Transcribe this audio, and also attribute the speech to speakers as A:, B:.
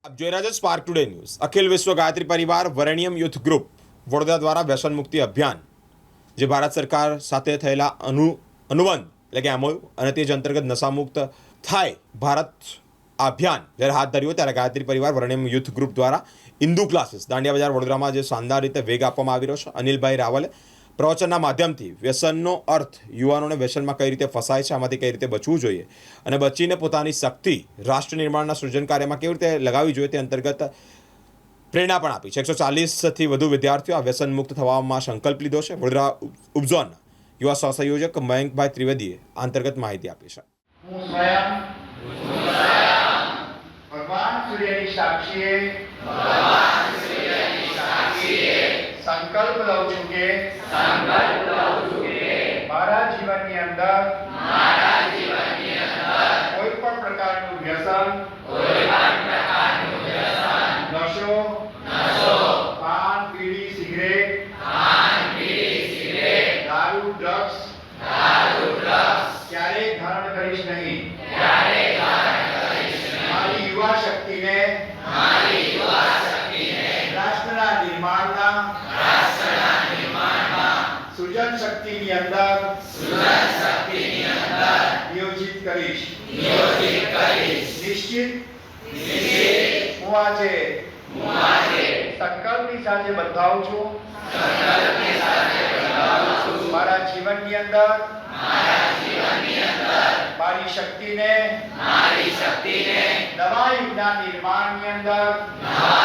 A: આપ જોઈ રહ્યા છો સ્પાર્ક ટુડે ન્યૂઝ. અખિલ વિશ્વ ગાયત્રી પરિવાર વરેણ્યમ યુથ ગ્રુપ વડોદરા દ્વારા વ્યસન મુક્તિ અભિયાન, જે ભારત સરકાર સાથે થયેલા અનુબંધ એટલે કે એમઓયુ અને તે જ અંતર્ગત નશામુક્ત થાય ભારત આ અભિયાન જ્યારે હાથ ધર્યું ત્યારે ગાયત્રી પરિવાર વરેણ્યમ યુથ ગ્રુપ દ્વારા ઇન્દુ ક્લાસીસ દાંડિયા બજાર વડોદરામાં જે શાનદાર રીતે વેગ આપવામાં આવી રહ્યો છે. અનિલભાઈ રાવલે પ્રવચનના માધ્યમથી વ્યસનનો અર્થ, યુવાનોને વ્યસનમાં કઈ રીતે ફસાય છે, આમાંથી કઈ રીતે બચવું જોઈએ અને બચીને પોતાની શક્તિ રાષ્ટ્ર નિર્માણના સૃજન કાર્યમાં કેવી રીતે લગાવવી જોઈએ તે અંતર્ગત પ્રેરણા પણ આપી છે. 140થી વધુ વિદ્યાર્થીઓ આ વ્યસન મુક્ત થવામાં સંકલ્પ લીધો છે. વડોદરા ઉપઝોનના યુવા સહસંયોજક મયંકભાઈ ત્રિવેદીએ આ અંતર્ગત માહિતી આપી છે.
B: હું સ્વયં ભગવાન સૂર્યની સાક્ષીએ સંકલ્પ લઉં છું કે મારા જીવનની અંદર કોઈ પણ પ્રકારનું વ્યસન, નશો, પાન, બીડી, સિગરેટ, દારૂ, ડ્રગ્સ ક્યારેય ધારણ કરીશ નહીં. મારી યુવા શક્તિને રાષ્ટ્રના નિર્માણના સૃજન શક્તિની અંદર નિયોજિત કરીશ. નિશ્ચિત હું આજે સંકલ્પની સાથે બંધાવું છું. મારા જીવનની અંદર મારી શક્તિને નવા યુગના નિર્માણની અંદર